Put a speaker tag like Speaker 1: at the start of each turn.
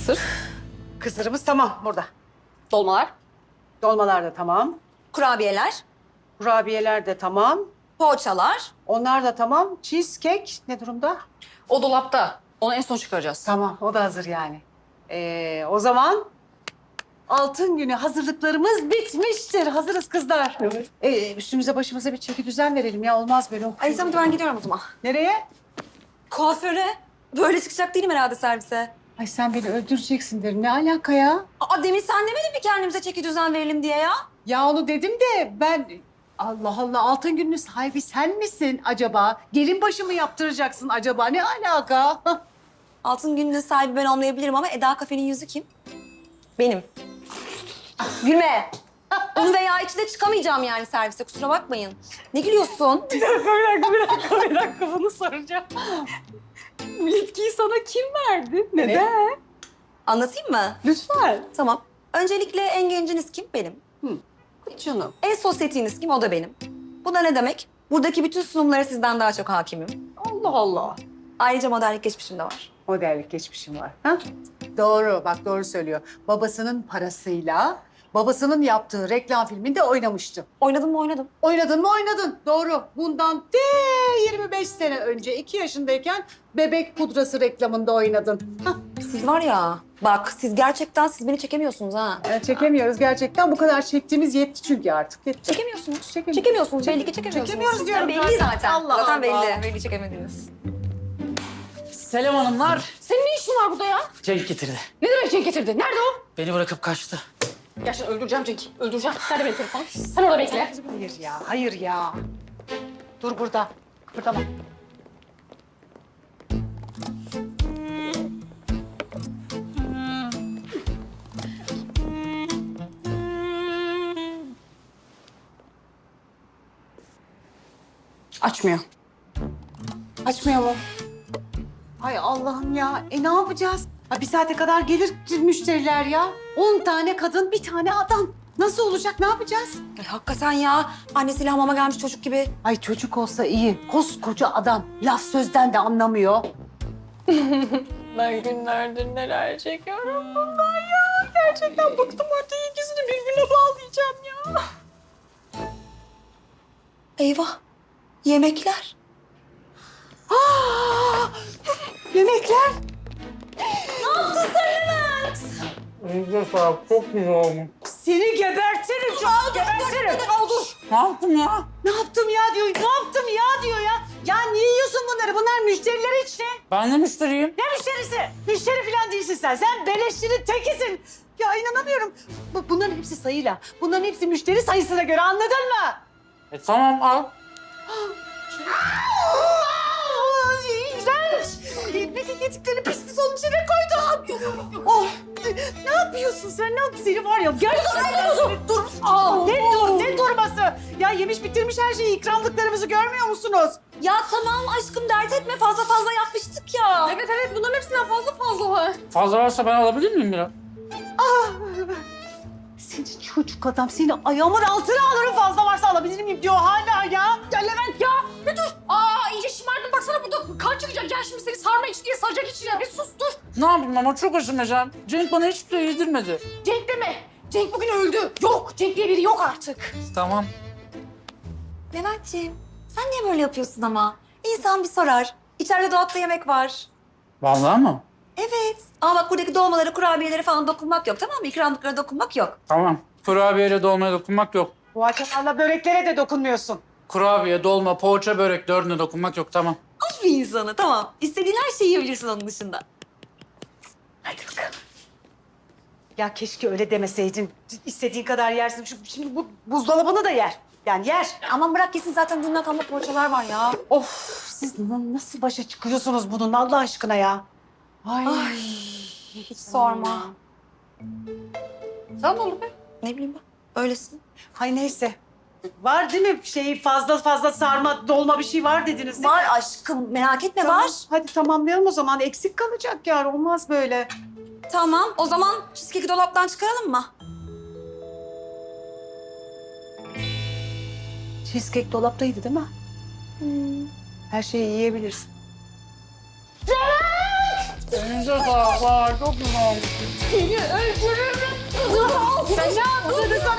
Speaker 1: Kısır.
Speaker 2: Kısırımız tamam burada.
Speaker 1: Dolmalar.
Speaker 2: Dolmalar da tamam.
Speaker 3: Kurabiyeler,
Speaker 2: Kurabiyeler de tamam.
Speaker 3: poğaçalar.
Speaker 2: Onlar da tamam. Cheesecake ne durumda?
Speaker 1: O dolapta. Onu en son çıkaracağız.
Speaker 2: Tamam, o da hazır yani. O zaman altın günü hazırlıklarımız bitmiştir. Hazırız kızlar.
Speaker 1: Evet.
Speaker 2: Üstümüze başımıza bir çeki düzen verelim ya. Olmaz böyle.
Speaker 3: Ay tamam ben gidiyorum o zaman.
Speaker 2: Nereye?
Speaker 3: Kuaföre. Böyle çıkacak değilim herhalde servise.
Speaker 2: Ay sen beni öldüreceksin derim. Ne alaka ya?
Speaker 3: Aa demin sen demedin mi kendimize çeki düzen verelim diye ya?
Speaker 2: Ya onu dedim de ben... Allah Allah, altın gününün sahibi sen misin acaba? Gelin başı mı yaptıracaksın acaba? Ne alaka?
Speaker 3: Altın gününün sahibi ben olmayabilirim ama Eda Kafe'nin yüzü kim? Benim. Gülme. Onu veya içinde çıkamayacağım yani servise kusura bakmayın. Ne gülüyorsun?
Speaker 1: Bir dakika bunu soracağım. Bu yetkiyi sana kim verdi? Neden?
Speaker 3: Anlatayım mı?
Speaker 1: Lütfen.
Speaker 3: Tamam. Öncelikle en genciniz kim? Benim.
Speaker 2: Canım.
Speaker 3: En sosyetiniz kim? O da benim. Bu da ne demek? Buradaki bütün sunumlara sizden daha çok hakimim.
Speaker 2: Allah Allah.
Speaker 3: Ayrıca modellik geçmişim de var.
Speaker 2: Modellik geçmişim var. Ha? Doğru, bak doğru söylüyor. Babasının parasıyla babasının yaptığı reklam filminde oynamıştı.
Speaker 3: Oynadım mı oynadım.
Speaker 2: Oynadın mı oynadın. Doğru. Bundan 25 sene önce 2 yaşındayken bebek pudrası reklamında oynadın. Hah.
Speaker 3: Siz var ya, bak siz gerçekten siz beni çekemiyorsunuz ha.
Speaker 2: Çekemiyoruz gerçekten. Bu kadar çektiğimiz yetti çünkü artık. Yetti.
Speaker 3: Çekemiyorsunuz.
Speaker 2: Çekemiyoruz.
Speaker 3: Çekemiyorsunuz. Belli ki çekemiyorsunuz.
Speaker 2: Çekemiyoruz diyorum
Speaker 3: Belli zaten.
Speaker 2: Allah
Speaker 3: zaten
Speaker 2: Allah.
Speaker 3: belli. Belli çekemediniz.
Speaker 4: Selam hanımlar.
Speaker 1: Senin ne işin var burada ya?
Speaker 4: Cenk getirdi.
Speaker 1: Ne demek Cenk getirdi? Nerede o?
Speaker 4: Beni bırakıp kaçtı.
Speaker 1: Gerçekten öldüreceğim Cenk'i. Öldüreceğim. Nerede benim telefonum? Sen orada bekle.
Speaker 2: Hayır ya, hayır ya. Dur burada. Kıpırdama.
Speaker 1: Açmıyor.
Speaker 2: Açmıyor mu? Ay Allah'ım ya. Ne yapacağız? Ha, bir saate kadar gelir müşteriler ya. 10 tane kadın, bir tane adam. Nasıl olacak? Ne yapacağız?
Speaker 3: Ay, hakikaten ya. Annesiyle hamama gelmiş çocuk gibi.
Speaker 2: Ay çocuk olsa iyi. Koskoca adam. Laf sözden de anlamıyor.
Speaker 1: Ben günlerdir neler çekiyorum bundan ya. Gerçekten bıktım artık ikisini birbirine bağlayacağım ya.
Speaker 3: Eyvah. Yemekler.
Speaker 2: Aa, yemekler.
Speaker 3: Ne yaptın sen Levent?
Speaker 4: Çok güzel olmuş.
Speaker 2: Seni gebertirim. Çok gebertirim.
Speaker 3: Dur.
Speaker 4: Ne yaptın ya?
Speaker 2: Ne yaptım ya diyor. Ne yaptım ya diyor ya. Ya niye yiyorsun bunları? Bunlar müşteriler işte.
Speaker 4: Ben de müşteriyim.
Speaker 2: Ne müşterisi? Müşteri falan değilsin sen. Sen beleşçinin tekisin. Ya inanamıyorum. Bunların hepsi sayıyla. Bunların hepsi müşteri sayısına göre, anladın mı?
Speaker 4: Tamam al.
Speaker 2: İğrenç. Bütün yediklerini pislik onun içine koydu. Oh. Ne yapıyorsun sen? Ne yaptın? Seni var ya. Gerçekten dur. Ne durması? Ya yemiş bitirmiş her şeyi. İkramlıklarımızı görmüyor musunuz?
Speaker 3: Ya tamam aşkım dert etme fazla yapmıştık ya.
Speaker 1: Evet bunların hepsinden fazla var.
Speaker 4: Fazla varsa ben alabilir miyim biraz?
Speaker 2: Seni çocuk adam. Seni ayağımın altına alırım, fazla varsa alabilir miyim diyor hala ya.
Speaker 1: Ya Levent ya bir dur. iyice şımardın baksana burada kan çıkacak. Gel şimdi seni sarma iç diye saracak içine. Bir sus dur.
Speaker 4: Ne yapayım ama çok aşınacağım. Cenk bana hiçbir şey yedirmedi.
Speaker 1: Cenk deme. Cenk bugün öldü. Yok Cenk diye biri yok artık.
Speaker 4: Tamam.
Speaker 3: Leventciğim sen niye böyle yapıyorsun ama? İnsan bir sorar. İçeride dolapta yemek var.
Speaker 4: Vallahi mı?
Speaker 3: Evet. Ama bak buradaki dolmaları, kurabiyelere falan dokunmak yok tamam mı? İkramlıklara dokunmak yok.
Speaker 4: Tamam. Kurabiyeyle dolmaya dokunmak yok.
Speaker 2: Bu açıklarla böreklere de dokunmuyorsun.
Speaker 4: Kurabiye, dolma, poğaça, börek dördüne dokunmak yok tamam.
Speaker 3: Aferin sana tamam. İstediğin her şeyi yiyebilirsin onun dışında. Hadi bakalım.
Speaker 2: Ya keşke öyle demeseydin. İstediğin kadar yersin. Şimdi bu buzdolabını da yer. Yani yer.
Speaker 3: Aman bırak yesin zaten dünden kalma poğaçalar var ya.
Speaker 2: Of, siz nasıl başa çıkıyorsunuz bununla Allah aşkına ya? Ay.
Speaker 3: Ay hiç sorma.
Speaker 2: Sen oğlum be.
Speaker 3: Ne bileyim ben. Öylesin.
Speaker 2: Hay neyse. Var değil mi fazla sarma, dolma bir şey var dediniz değil mi?
Speaker 3: Var aşkım merak etme
Speaker 2: Tamam,
Speaker 3: var.
Speaker 2: hadi tamamlayalım o zaman. Eksik kalacak yani. Olmaz böyle.
Speaker 3: Tamam o zaman cheesecake'i dolaptan çıkaralım mı?
Speaker 2: Cheesecake dolaptaydı değil mi? Her şeyi yiyebilirsin.
Speaker 4: Elinize sağlık. Çok güzel.
Speaker 2: Seni öldürürüm. Sen ne yaptın?